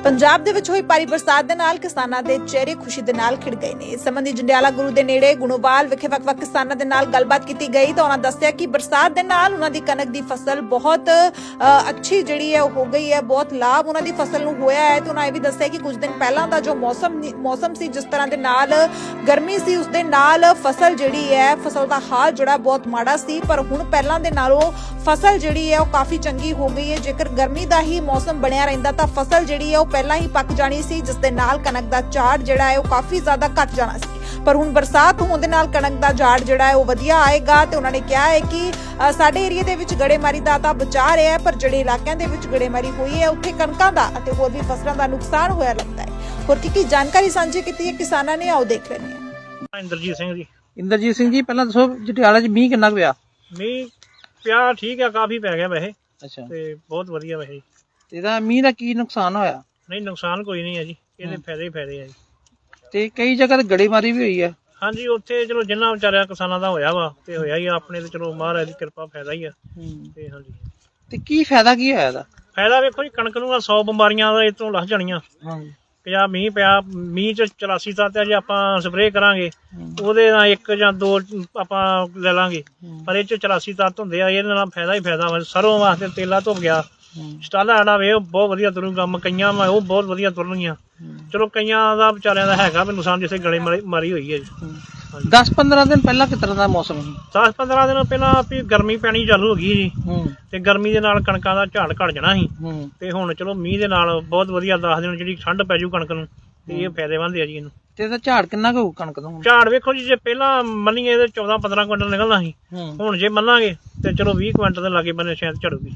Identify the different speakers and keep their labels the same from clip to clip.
Speaker 1: ਪੰਜਾਬ ਦੇ ਵਿੱਚ ਹੋਈ ਭਾਰੀ ਬਰਸਾਤ ਦੇ ਨਾਲ ਕਿਸਾਨਾਂ ਦੇ ਚਿਹਰੇ ਖੁਸ਼ੀ ਦੇ ਨਾਲ ਖਿੜ ਗਏ ਨੇ। ਇਸ ਸੰਬੰਧੀ ਜੰਡਿਆਲਾ ਗੁਰੂ ਦੇ ਨੇੜੇ ਗੁਣੋਵਾਲ ਵਿਖੇ ਵੱਖ-ਵੱਖ ਕਿਸਾਨਾਂ ਦੇ ਨਾਲ ਗੱਲਬਾਤ ਕੀਤੀ ਗਈ ਤਾਂ ਉਹਨਾਂ ਦੱਸਿਆ ਕਿ ਬਰਸਾਤ ਦੇ ਨਾਲ ਉਹਨਾਂ ਦੀ ਕਣਕ ਦੀ ਫਸਲ ਬਹੁਤ ਅੱਛੀ ਜਿਹੜੀ ਹੈ ਹੋ ਗਈ ਹੈ, ਬਹੁਤ ਲਾਭ ਉਹਨਾਂ ਦੀ ਫਸਲ ਨੂੰ ਹੋਇਆ ਹੈ। ਤੇ ਉਹਨਾਂ ਇਹ ਵੀ ਦੱਸਿਆ ਕਿ ਕੁਝ ਦਿਨ ਪਹਿਲਾਂ ਦਾ ਜੋ ਮੌਸਮ ਸੀ, ਜਿਸ ਤਰ੍ਹਾਂ ਦੇ ਨਾਲ ਗਰਮੀ ਸੀ, ਉਸ ਦੇ ਨਾਲ ਫਸਲ ਜਿਹੜੀ ਹੈ, ਫਸਲ ਦਾ ਹਾਲ ਜਿਹੜਾ ਬਹੁਤ ਮਾੜਾ ਸੀ, ਪਰ ਹੁਣ ਪਹਿਲਾਂ ਦੇ ਨਾਲੋਂ ਫਸਲ ਜਿਹੜੀ ਹੈ ਉਹ ਕਾਫੀ ਚੰਗੀ ਹੋ ਗਈ ਹੈ। ਜੇਕਰ ਗਰਮੀ ਦਾ ਹੀ ਮੌਸਮ ਬਣਿਆ ਰਹਿੰਦਾ ਤਾਂ ਫਸਲ ਜਿਹੜੀ ਹੈ ਉਹ ਪਹਿਲਾਂ ਹੀ ਪੱਕ ਜਾਣੀ ਸੀ, ਜਿਸ ਦੇ ਨਾਲ ਕਣਕ ਦਾ ਝਾੜ ਜਿਹੜਾ ਹੈ ਉਹ ਕਾਫੀ ਜ਼ਿਆਦਾ ਘਟ ਜਾਣਾ ਸੀ। ਪਰ ਹੁਣ ਬਰਸਾਤ ਹੋਣ ਦੇ ਨਾਲ ਕਣਕ ਦਾ ਝਾੜ ਜਿਹੜਾ ਹੈ ਉਹ ਵਧੀਆ ਆਏਗਾ। ਤੇ ਉਹਨਾਂ ਨੇ ਕਿਹਾ ਹੈ ਕਿ ਸਾਡੇ ਏਰੀਆ ਦੇ ਵਿੱਚ ਗੜੇਮਾਰੀ ਦਾ ਤਾਂ ਬਚਾ ਰਿਹਾ ਹੈ, ਪਰ ਜਿਹੜੇ ਇਲਾਕਿਆਂ ਦੇ ਵਿੱਚ ਗੜੇਮਾਰੀ ਹੋਈ ਹੈ ਉੱਥੇ ਕਣਕਾਂ ਦਾ ਅਤੇ ਹੋਰ ਵੀ ਫਸਲਾਂ ਦਾ ਨੁਕਸਾਨ ਹੋਇਆ ਲੱਗਦਾ ਹੈ। ਹੋਰ ਕੀ ਜਾਣਕਾਰੀ ਸਾਂਝੀ ਕੀਤੀ ਹੈ ਕਿਸਾਨਾਂ ਨੇ, ਆਓ ਦੇਖ ਲੈਂਦੇ ਹਾਂ।
Speaker 2: ਇੰਦਰਜੀਤ ਸਿੰਘ ਜੀ, ਪਹਿਲਾਂ ਦੱਸੋ ਜਟਿਆਲਾ 'ਚ ਮੀਂਹ ਕਿੰਨਾ ਕੁ ਪਿਆ?
Speaker 3: ਮੀਂਹ ਪਿਆ ਠੀਕ ਆ, ਕਾਫੀ ਪੈ ਗਿਆ ਵੈਸੇ
Speaker 2: ਅੱਛਾ,
Speaker 3: ਤੇ ਬਹੁਤ ਵਧੀਆ ਵੈਸੇ।
Speaker 2: ਇਹਦਾ ਮੀਂਹ ਦਾ ਕੀ ਨੁਕਸਾਨ ਹੋਇਆ?
Speaker 3: ਨਹੀਂ, ਨੁਕਸਾਨ ਕੋਈ ਨਹੀਂ ਹੈ ਜੀ, ਇਹਦੇ ਫਾਇਦੇ ਹੀ ਫਾਇਦੇ ਆ ਜੀ।
Speaker 2: ਤੇ ਕਈ ਜਗ੍ਹਾ ਤੇ ਗੜੇਮਾਰੀ ਵੀ ਹੋਈ ਹੈ।
Speaker 3: ਹਾਂਜੀ, ਉੱਥੇ ਚਲੋ ਜਿੰਨਾ ਵਿਚਾਰਿਆ ਕਿਸਾਨਾਂ ਦਾ ਹੋਇਆ ਵਾ ਤੇ ਹੋਇਆ ਹੀ ਆ, ਆਪਣੇ ਤੇ ਚਲੋ ਮਹਾਰਾਜ ਦੀ ਕਿਰਪਾ ਫਾਇਦਾ ਹੀ ਆ। ਤੇ ਹਾਂਜੀ,
Speaker 2: ਤੇ ਕੀ ਫਾਇਦਾ ਕੀ ਹੋਇਆ ਇਹਦਾ?
Speaker 3: ਫਾਇਦਾ ਵੇਖੋ ਜੀ, ਕਣਕ ਨੂੰ 100 ਬਿਮਾਰੀਆਂ ਦਾ ਇਹ ਤੋਂ ਲੱਥ ਜਾਣੀਆਂ। ਕਿ ਆ ਮੀਂਹ ਪਿਆ, ਮੀਂਹ ਚ 84 ਤੱਤ ਆ, ਜੇ ਆਪਾਂ ਸਪਰੇਅ ਕਰਾਂਗੇ ਉਹਦੇ ਨਾਲ 1 ਜਾਂ 2 ਆਪਾਂ ਲੈ ਲਾਂਗੇ, ਪਰ ਇਹ ਚ 84 ਤੱਤ ਹੁੰਦੇ ਆ। ਇਹਦੇ ਨਾਲ ਫਾਇਦਾ ਹੀ ਫਾਇਦਾ ਵਾ। ਸਰੋਂ ਵਾਸਤੇ ਤੇਲਾ ਧੁੱਪ ਗਿਆ, ਸਟਾਲਾ ਸਾਡਾ ਵੇ ਬਹੁਤ ਵਧੀਆ ਤੁਰੂਗਾ, ਮਕਈਆਂ ਵਾ ਉਹ ਬਹੁਤ ਵਧੀਆ ਤੁਰਨਗੀਆਂ। ਚਲੋ ਕਈਆਂ ਦਾ ਵਿਚਾਰਿਆਂ ਦਾ ਹੈਗਾ ਵੀ ਨੁਕਸਾਨ, ਜਿਸੇ ਗਲੇ ਮਾਰੀ ਹੋਈ ਹੈ ਜੀ।
Speaker 2: 10-15 ਦਿਨ ਪਹਿਲਾਂ ਕਿਸ ਤਰ੍ਹਾਂ ਦਾ ਮੌਸਮ ਸੀ?
Speaker 3: 10-15 ਦਿਨ ਪਹਿਲਾਂ ਵੀ ਗਰਮੀ ਪੈਣੀ ਚਾਲੂ ਹੋ ਗਈ ਜੀ, ਤੇ ਗਰਮੀ ਦੇ ਨਾਲ ਕਣਕਾਂ ਦਾ ਝਾੜ ਘਟ ਜਾਣਾ ਸੀ। ਤੇ ਹੁਣ ਚਲੋ ਮੀਂਹ ਦੇ ਨਾਲ ਬਹੁਤ ਵਧੀਆ 10 ਦਿਨ ਜਿਹੜੀ ਠੰਡ ਪੈ ਜੂ ਕਣਕ ਨੂੰ, ਤੇ ਇਹ ਫਾਇਦੇਮੰਦ ਹੈ ਜੀ ਇਹਨੂੰ।
Speaker 2: ਤੇ ਇਹਦਾ ਝਾੜ ਕਿੰਨਾ ਕੁ ਹੋਊ ਕਣਕ ਦਾ?
Speaker 3: ਝਾੜ ਵੇਖੋ ਜੀ, ਜੇ ਪਹਿਲਾਂ ਮੰਨੀਏ ਤੇ 14-15 ਕੁਇੰਟਲ ਨਿਕਲਣਾ ਸੀ, ਹੁਣ ਜੇ ਮੰਨਾਂਗੇ ਤੇ ਚਲੋ 20 ਕੁਇੰਟਲ ਦੇ ਲਾਗੇ ਬੰਨੇ ਸ਼ਾਇਦ ਝੜੂਗੀ।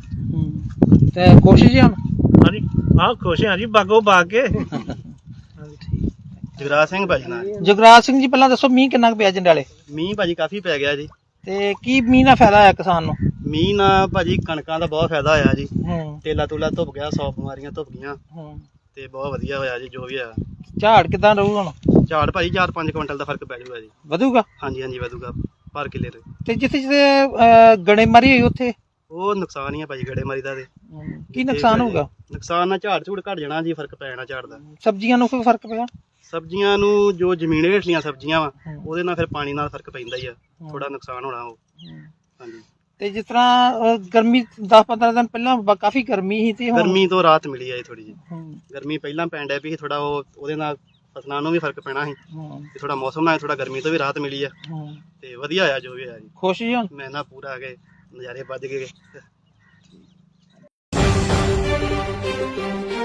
Speaker 2: ਤੇ ਕੋਸ਼ਿਸ਼ ਹੈ ਹੁਣ?
Speaker 3: ਹਾਂਜੀ, ਆਹ ਖੁਸ਼ ਹਾਂ ਜੀ, ਬਾਗੋ ਬਾਗ ਕੇ।
Speaker 4: ਜਗਰਾਜ ਸਿੰਘ ਭਾਜੀ ਨਾਲ।
Speaker 2: ਜਗਰਾਜ ਸਿੰਘ ਜੀ, ਪਹਿਲਾਂ ਦੱਸੋ ਮੀਂਹ ਕਿੰਨਾ ਕੁ ਪਿਆ ਜੰਡਿਆਲੇ?
Speaker 4: ਮੀਂਹ ਭਾਜੀ ਕਾਫੀ ਪੈ ਗਿਆ ਜੀ।
Speaker 2: ਤੇ ਕੀ ਮੀਂਹ ਨਾਲ ਫਾਇਦਾ ਹੋਇਆ ਕਿਸਾਨ ਨੂੰ?
Speaker 4: ਮੀਂਹ ਨਾਲ ਭਾਜੀ ਕਣਕਾਂ ਦਾ ਬਹੁਤ ਫਾਇਦਾ ਹੋਇਆ ਜੀ। ਤੇਲਾ ਤੁਲਾ ਧੁੱਪ ਗਿਆ, 100 ਬਿਮਾਰੀਆਂ ਧੁੱਪ ਗਈਆਂ, ਤੇ ਬਹੁਤ ਵਧੀਆ ਹੋਇਆ ਜੀ ਜੋ ਵੀ ਹੋਇਆ।
Speaker 2: ਝਾੜ ਕਿਦਾਂ ਰਹੂ ਹੁਣ?
Speaker 4: ਝਾੜ ਭਾਜੀ 4-5 ਕੁਇੰਟਲ ਦਾ ਫਰਕ ਪੈ ਜਾਊਗਾ ਜੀ।
Speaker 2: ਵਧੂਗਾ?
Speaker 4: ਹਾਂਜੀ ਹਾਂਜੀ ਵਧੂਗਾ ਪਰ ਕਿੱਲੇ ਤੇ।
Speaker 2: ਤੇ ਜਿੱਥੇ ਗੜੇਮਾਰੀ ਹੋਈ ਉੱਥੇ
Speaker 4: ਉਹ ਨੁਕਸਾਨ ਹੀ ਆ ਭਾਜੀ ਗੜੇਮਾਰੀ ਦਾ। ਤੇ
Speaker 2: ਕੀ ਨੁਕਸਾਨ ਹੋਊਗਾ?
Speaker 4: ਨੁਕਸਾਨ ਨਾਲ ਝਾੜ ਝੂੜ ਘਟ ਜਾਣਾ ਜੀ, ਫਰਕ ਪੈ ਜਾਣਾ ਝਾੜ ਦਾ।
Speaker 2: ਸਬਜ਼ੀਆਂ ਨੂੰ ਕੋਈ ਫਰਕ ਪਿਆ?
Speaker 4: ਸਬਜ਼ੀਆਂ ਨੂੰ ਜੋ ਜ਼ਮੀਨ ਹੇਠਲੀਆਂ ਸਬਜ਼ੀਆਂ ਵਾ ਉਹਦੇ ਨਾਲ ਫਿਰ ਪਾਣੀ ਨਾਲ ਫਰਕ ਪੈਂਦਾ ਹੀ ਆ, ਥੋੜਾ ਨੁਕਸਾਨ ਹੋਣਾ ਉਹ। ਹਾਂਜੀ,
Speaker 2: ਤੇ ਜਿਸ ਤਰ੍ਹਾਂ ਗਰਮੀ 10-15 ਦਿਨ ਪਹਿਲਾਂ ਕਾਫੀ ਗਰਮੀ ਸੀ, ਤੇ
Speaker 4: ਗਰਮੀ ਤੋਂ ਰਾਹਤ ਮਿਲੀ ਆ ਜੀ ਥੋੜੀ ਜਿਹੀ। ਗਰਮੀ ਪਹਿਲਾਂ ਪੈਣ ਡਿਆ ਵੀ ਥੋੜਾ, ਉਹਦੇ ਨਾਲ ਫਸਲਾਂ ਨੂੰ ਵੀ ਫਰਕ ਪੈਣਾ ਸੀ, ਤੇ ਥੋੜਾ ਮੌਸਮ ਨਾਲ ਥੋੜਾ ਗਰਮੀ ਤੋਂ ਵੀ ਰਾਹਤ ਮਿਲੀ ਆ, ਤੇ ਵਧੀਆ ਹੋਇਆ ਜੋ ਵੀ ਹੋਇਆ ਜੀ।
Speaker 2: ਖੁਸ਼ ਜੀ ਹੁਣ?
Speaker 4: ਮੈਂ ਨਾ ਪੂਰਾ ਆ ਗਏ, ਨਜ਼ਾਰੇ ਵੱਜ ਗਏ।